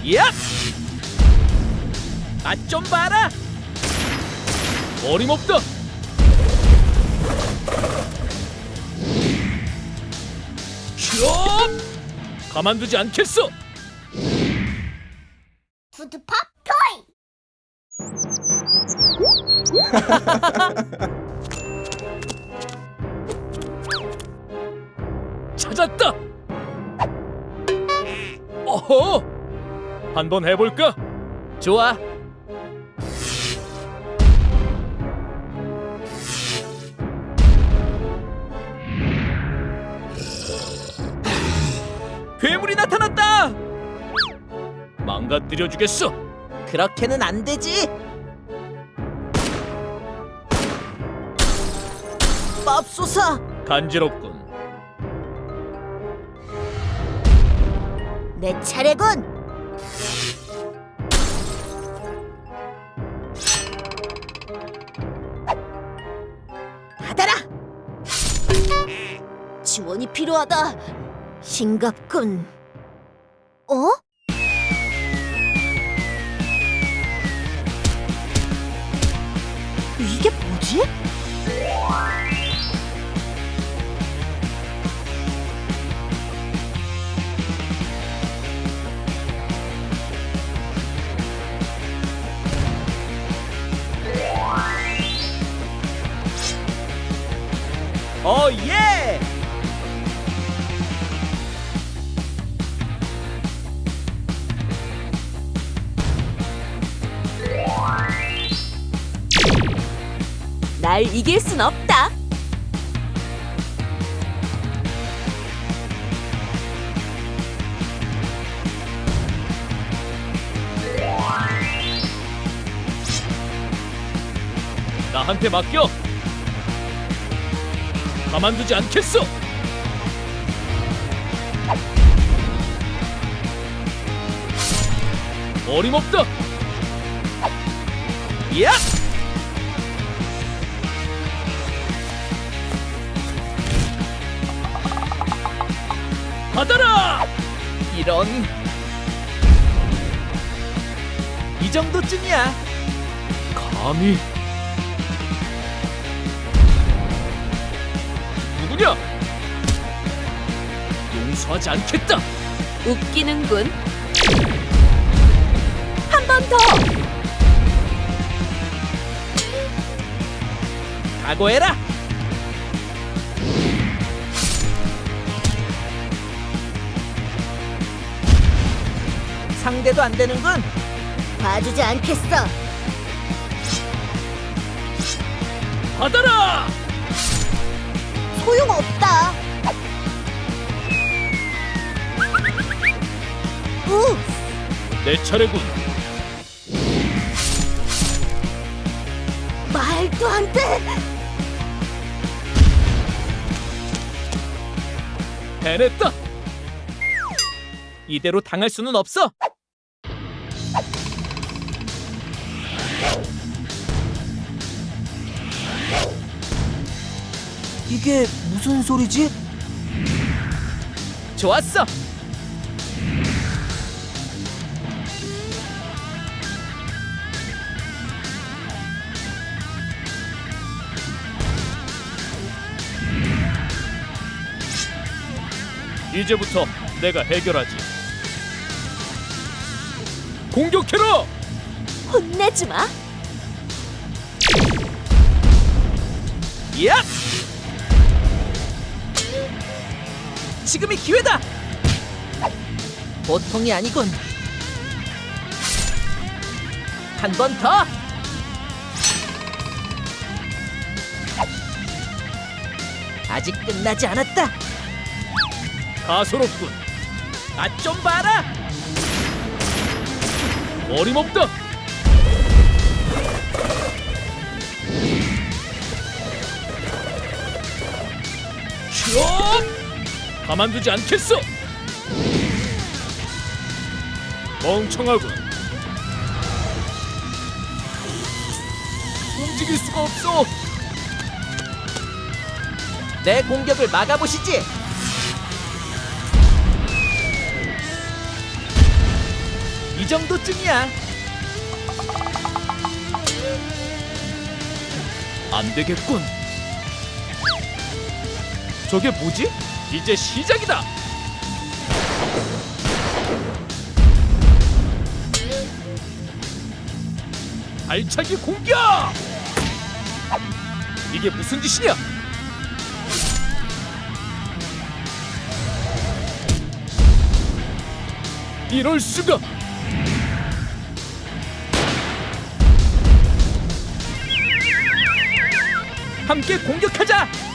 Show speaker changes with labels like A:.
A: 야! 맛 좀 봐라. 어림없다. 촤! 가만두지 않겠어.
B: 푸드팝 토이.
A: 찾았다. 어허. 한번 해볼까? 좋아. 괴물이 나타났다. 망가뜨려 주겠어.
C: 그렇게는 안 되지. 맙소사.
A: 간지럽군.
B: 내 차례군. 받아라. 지원이 필요하다. 싱겁군. 어? 이게 뭐지?
A: 예!
B: 날 이길 순 없다.
A: 나한테 맡겨. 가만두지 않겠어. 어림없다. 야! 받아라. 이런. 이 정도쯤이야. 감히. 누구냐? 용서하지 않겠다.
B: 웃기는군. 한 번 더.
A: 각오해라.
C: 상대도 안 되는군.
B: 봐주지 않겠어.
A: 받아라.
B: 소용없다.
A: 내 차례군.
B: 말도 안 돼.
A: 해냈다. 이대로 당할 수는 없어.
C: 이게 무슨 소리지?
A: 좋았어. 이제부터 내가 해결하지. 공격해라.
B: 혼내지 마.
A: 야! 지금이 기회다.
C: 보통이 아니군.
A: 한 번 더.
C: 아직 끝나지 않았다.
A: 가소롭군. 맛 좀 봐라. 어림없다. 촤! 가만두지 않겠어. 멍청하군. 움직일 수가 없어.
C: 내 공격을 막아보시지. 이 정도쯤이야.
A: 안 되겠군. 저게 뭐지? 이제 시작이다. 발차기 공격! 이게 무슨 짓이냐? 이럴 수가!
C: 함께 공격하자.